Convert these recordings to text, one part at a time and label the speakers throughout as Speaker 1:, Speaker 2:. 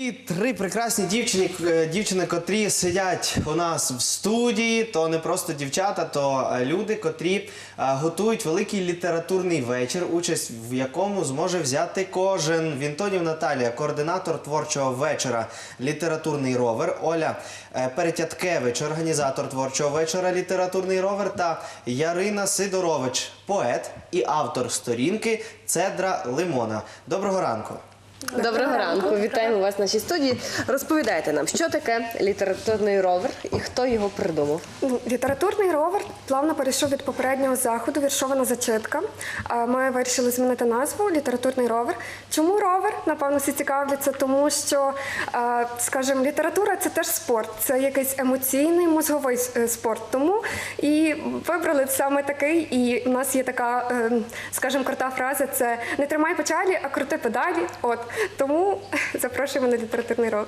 Speaker 1: І три прекрасні дівчини, котрі сидять у нас в студії, то не просто дівчата, то люди, котрі готують великий літературний вечір, участь в якому зможе взяти кожен. Вінтонів Наталія, координатор творчого вечора «Літературний ровер», Оля Перетяткевич, організатор творчого вечора «Літературний ровер» та Ярина Сидорович, поет і автор сторінки «Цедра лимона». Доброго ранку!
Speaker 2: Доброго ранку, вітаємо вас в нашій студії. Розповідайте нам, що таке літературний ровер і хто його придумав?
Speaker 3: Літературний ровер плавно перейшов від попереднього заходу «Віршована зачитка». Ми вирішили змінити назву «Літературний ровер». Чому ровер? Напевно, всі цікавляться, тому що, скажімо, література – це теж спорт, це якийсь емоційний, мозговий спорт. Тому і вибрали саме такий, і в нас є така, скажімо, крута фраза – це «не тримай печалі, а крути педалі». От. Тому запрошуємо на літературний ровер.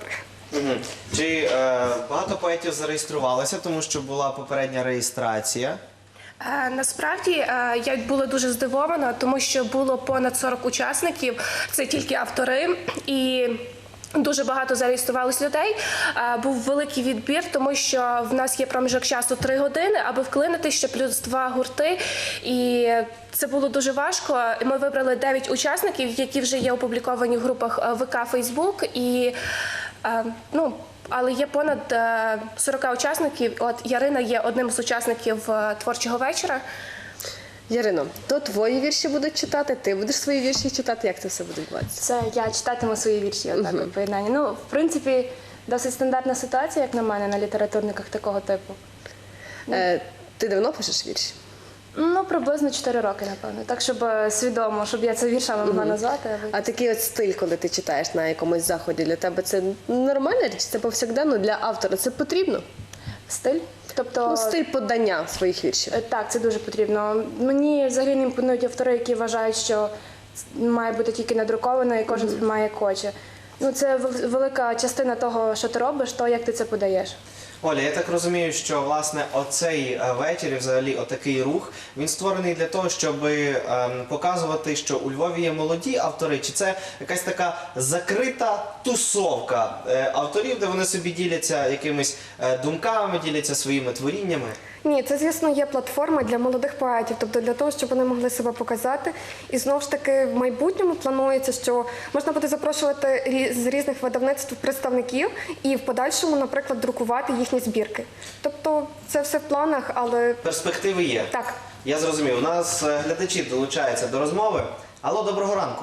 Speaker 1: Чи багато поетів зареєструвалося, тому що була попередня реєстрація?
Speaker 4: Насправді я була дуже здивована, тому що було понад 40 учасників, це тільки автори, і дуже багато зареєструвалось людей. Був великий відбір, тому що в нас є проміжок часу 3 години, аби вклинити ще плюс 2 гурти. І це було дуже важко. Ми вибрали 9 учасників, які вже є опубліковані в групах ВК, Фейсбук. І, але є понад 40 учасників. От Ярина є одним з учасників творчого вечора.
Speaker 2: Ярино, то твої вірші будуть читати, ти будеш свої вірші читати, як це все буде відбуватися?
Speaker 5: Це я читатиму свої вірші, отак от поєднання. Ну, в принципі, досить стандартна ситуація, як на мене, на літературниках такого типу.
Speaker 2: Ти давно пишеш вірші?
Speaker 5: Ну, приблизно 4 роки, напевно. Так, щоб свідомо, щоб я це віршами могла назвати.
Speaker 2: А такий от стиль, коли ти читаєш на якомусь заході, для тебе це нормальна річ? Це повсякденно для автора? Це потрібно?
Speaker 5: Стиль? Тобто...
Speaker 2: Ну, стиль подання своїх віршів.
Speaker 5: Так, це дуже потрібно. Мені взагалі не імпонують автори, які вважають, що має бути тільки надруковано і кожен сприймає як хоче. Ну, це велика частина того, що ти робиш, то як ти це подаєш.
Speaker 1: Оля, я так розумію, що, власне, оцей вечір і взагалі отакий рух, він створений для того, щоб показувати, що у Львові є молоді автори, чи це якась така закрита тусовка авторів, де вони собі діляться якимись думками, діляться своїми творіннями?
Speaker 3: Ні, це, звісно, є платформа для молодих поетів, тобто для того, щоб вони могли себе показати. І знову ж таки в майбутньому планується, що можна буде запрошувати з різних видавництв представників і в подальшому, наприклад, друкувати їхні збірки. Тобто це все в планах, але...
Speaker 1: Перспективи є?
Speaker 3: Так.
Speaker 1: Я зрозумів. У нас глядачі долучаються до розмови. Алло, доброго ранку.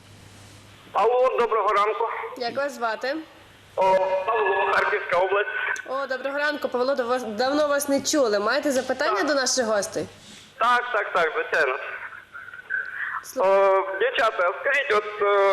Speaker 6: Алло, доброго ранку.
Speaker 2: Як вас звати?
Speaker 6: Павло, Харківська область.
Speaker 2: О, доброго ранку, Павло, давно вас не чули. Маєте запитання до наших гостей?
Speaker 6: Так, звичайно. Дівчата, скажіть, от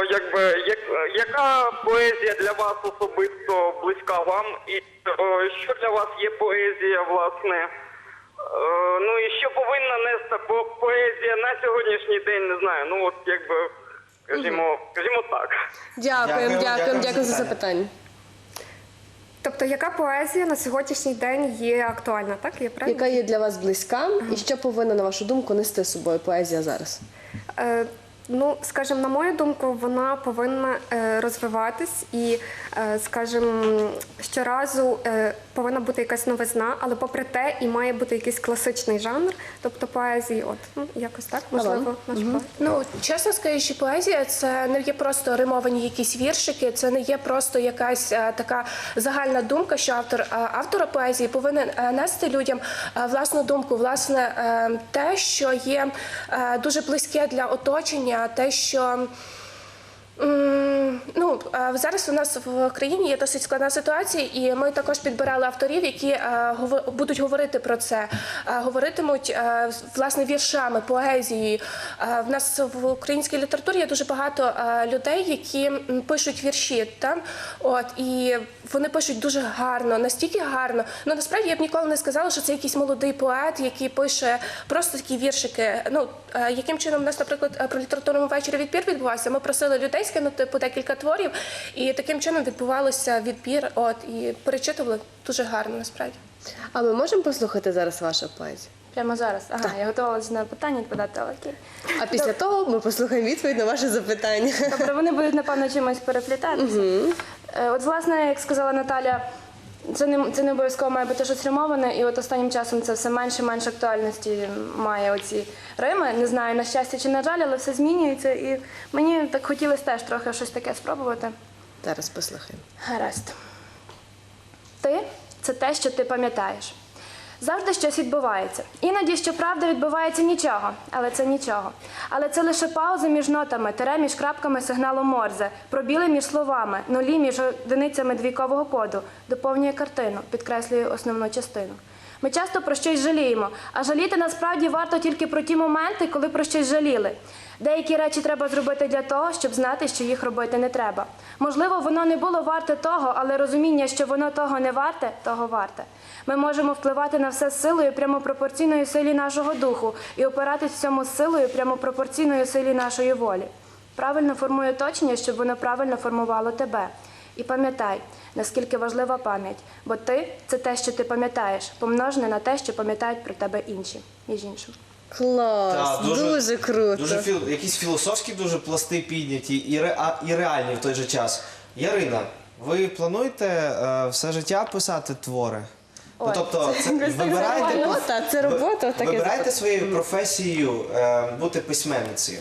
Speaker 6: яка поезія для вас особисто близька вам? І що для вас є поезія, власне? Ну і що повинна нести поезія на сьогоднішній день, не знаю. Ну от скажімо так.
Speaker 2: Дякую за запитання.
Speaker 3: Тобто, яка поезія на сьогоднішній день є актуальна, так? Є правильно?
Speaker 2: Яка є для вас близька і що повинна, на вашу думку, нести з собою поезія зараз?
Speaker 3: Ну, скажімо, на мою думку, вона повинна розвиватись і, скажімо, щоразу повинна бути якась новизна, але попри те і має бути якийсь класичний жанр, тобто поезії, якось так, можливо, наш поет.
Speaker 4: Ну, чесно скажучи, поезія – це не є просто римовані якісь віршики, це не є просто якась така загальна думка, що автора поезії повинен нести людям власну думку, власне, те, що є дуже близьке для оточення, те, що зараз у нас в країні є досить складна ситуація, і ми також підбирали авторів, які будуть говорити про це, говоритимуть, власне, віршами, поезією. В нас в українській літературі є дуже багато людей, які пишуть вірші, і вони пишуть дуже гарно, настільки гарно. Ну, насправді, я б ніколи не сказала, що це якийсь молодий поет, який пише просто такі віршики. Ну, яким чином у нас, наприклад, при літературному вечорі відбір відбувався? Ми просили людей скинути по декілька творів, і таким чином відбувався відбір, і перечитували дуже гарно, насправді.
Speaker 2: А ми можемо послухати зараз вашу поезію?
Speaker 5: Прямо зараз? Ага, я готувалася на питання відповідати, але окей.
Speaker 2: А після того ми послухаємо відповідь на ваше запитання.
Speaker 5: Добре, вони будуть, напевно, чимось переплітатися. От, власне, як сказала Наталя, це не обов'язково має бути щось римоване, і от останнім часом це все менше і менше актуальності має оці рими. Не знаю, на щастя чи на жаль, але все змінюється, і мені так хотілося теж трохи щось таке спробувати.
Speaker 2: Зараз послухаємо.
Speaker 5: Гаразд. Ти – це те, що ти пам'ятаєш. Завжди щось відбувається. Іноді, щоправда, відбувається нічого, але це нічого. Але це лише пауза між нотами, тире між крапками сигналу Морзе, пробіли між словами, нулі між одиницями двійкового коду, доповнює картину, підкреслює основну частину. Ми часто про щось жаліємо, а жаліти насправді варто тільки про ті моменти, коли про щось жаліли. Деякі речі треба зробити для того, щоб знати, що їх робити не треба. Можливо, воно не було варте того, але розуміння, що воно того не варте, того варте. Ми можемо впливати на все силою прямо пропорційною силі нашого духу і опиратись в цьому силою прямо пропорційною силі нашої волі. Правильно формуй оточення, щоб воно правильно формувало тебе. І пам'ятай, наскільки важлива пам'ять, бо ти – це те, що ти пам'ятаєш, помножене на те, що пам'ятають про тебе інші, між іншим.
Speaker 2: Клас,
Speaker 1: Так,
Speaker 2: дуже круто.
Speaker 1: Якісь філософські дуже пласти підняті і реальні в той же час. Ярина, ви плануєте все життя писати твори? Ну,
Speaker 5: Ой,
Speaker 1: тобто,
Speaker 5: це якось так
Speaker 2: робота, це робота, таке
Speaker 1: вибираєте своєю професією бути письменницею?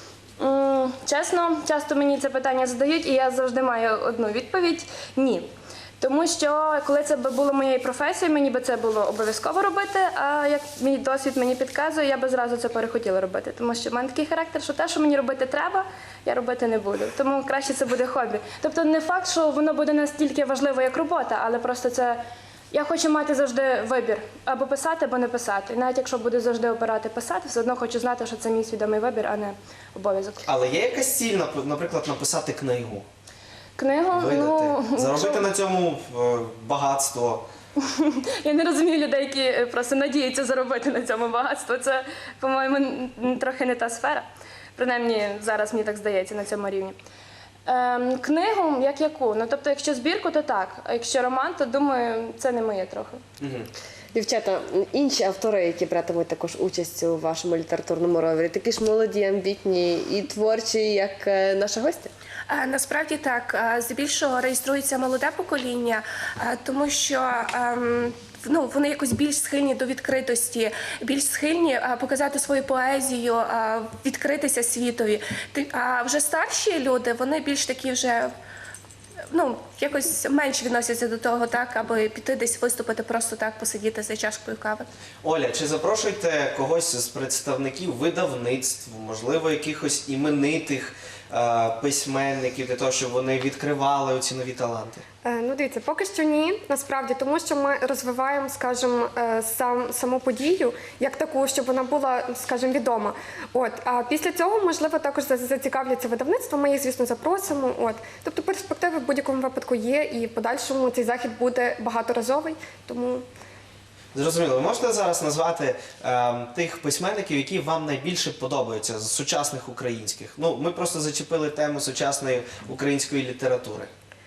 Speaker 5: Чесно, часто мені це питання задають, і я завжди маю одну відповідь – ні. Тому що, коли це було моєю професією, мені би це було обов'язково робити, а як мій досвід мені підказує, я би зразу це перехотіла робити. Тому що в мене такий характер, що те, що мені робити треба, я робити не буду. Тому краще це буде хобі. Тобто не факт, що воно буде настільки важливо, як робота, але просто це… Я хочу мати завжди вибір – або писати, або не писати. І навіть якщо буду завжди обирати писати, все одно хочу знати, що це мій свідомий вибір, а не обов'язок.
Speaker 1: Але є якась ціль, наприклад, написати книгу?
Speaker 5: Книгу,
Speaker 1: Заробити на цьому багатство.
Speaker 5: Я не розумію людей, які просто надіються заробити на цьому багатство. Це, по-моєму, трохи не та сфера. Принаймні, зараз мені так здається на цьому рівні. Книгу, як яку? Ну, тобто, якщо збірку, то так. А якщо роман, то, думаю, це не моє трохи.
Speaker 2: Дівчата, інші автори, які братимуть також участь у вашому літературному ровері, такі ж молоді, амбітні і творчі, як наша гостя?
Speaker 4: Насправді так, здебільшого реєструється молоде покоління, тому що вони якось більш схильні до відкритості, більш схильні показати свою поезію, відкритися світові. А вже старші люди, вони більш такі вже якось менш відносяться до того, так, аби піти десь виступити, просто так посидіти за чашкою кави.
Speaker 1: Оля, чи запрошуєте когось з представників видавництв, можливо, якихось іменитих письменників для того, щоб вони відкривали оці нові таланти?
Speaker 3: Ну, дивіться, поки що ні, насправді, тому що ми розвиваємо, скажімо, саму подію як таку, щоб вона була, скажімо, відома. А після цього, можливо, також зацікавляться видавництво, ми їх, звісно, запросимо. Тобто перспективи в будь-якому випадку є, і в подальшому цей захід буде багаторазовий, тому…
Speaker 1: Зрозуміло. Ви можете зараз назвати тих письменників, які вам найбільше подобаються з сучасних українських? Ми просто зачепили тему сучасної української літератури.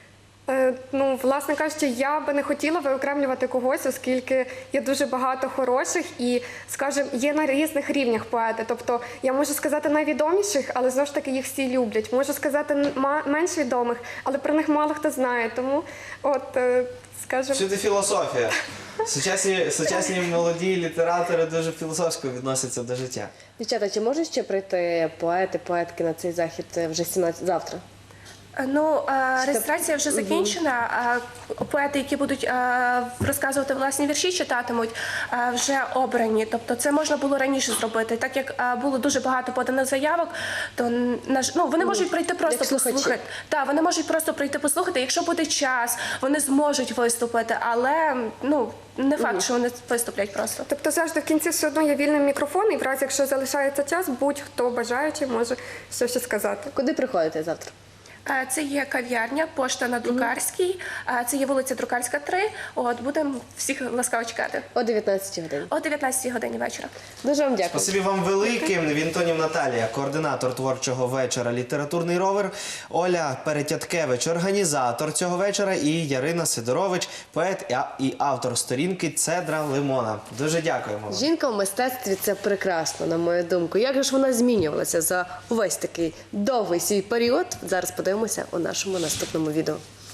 Speaker 3: Власне кажучи, я би не хотіла виокремлювати когось, оскільки є дуже багато хороших і, скажімо, є на різних рівнях поети. Тобто я можу сказати найвідоміших, але знову ж таки їх всі люблять. Можу сказати менш відомих, але про них мало хто знає. Тому, скажімо…
Speaker 1: Всюди філософія. Сучасні молоді літератори дуже філософсько відносяться до життя.
Speaker 2: Дівчата, чи можуть ще прийти поети, поетки на цей захід вже завтра?
Speaker 4: Реєстрація вже закінчена. Поети, які будуть розказувати власні вірші, читатимуть, вже обрані. Тобто це можна було раніше зробити. Так як було дуже багато поданих заявок, то вони можуть прийти просто послухати. Так, вони можуть просто прийти послухати. Якщо буде час, вони зможуть виступити, але не факт, що вони виступлять просто.
Speaker 3: Тобто завжди в кінці все одно є вільний мікрофон, і в разі, якщо залишається час, будь-хто бажаючий може щось сказати.
Speaker 2: Куди приходите завтра?
Speaker 4: Це є кав'ярня, пошта на Друкарській, це є вулиця Друкарська, 3. Будемо всіх ласкаво чекати.
Speaker 2: О 19 годині.
Speaker 4: О 19 годині вечора.
Speaker 2: Дуже вам дякую.
Speaker 1: Спасибі вам велике. Вінтонів Наталія, координатор творчого вечора «Літературний ровер», Оля Перетяткевич, організатор цього вечора, і Ярина Сидорович, поет і автор сторінки «Цедра лимона». Дуже дякуємо вам.
Speaker 2: Жінка в мистецтві – це прекрасно, на мою думку. Як же ж вона змінювалася за увесь такий довгий свій період? Зараз подивимося у нашому наступному відео.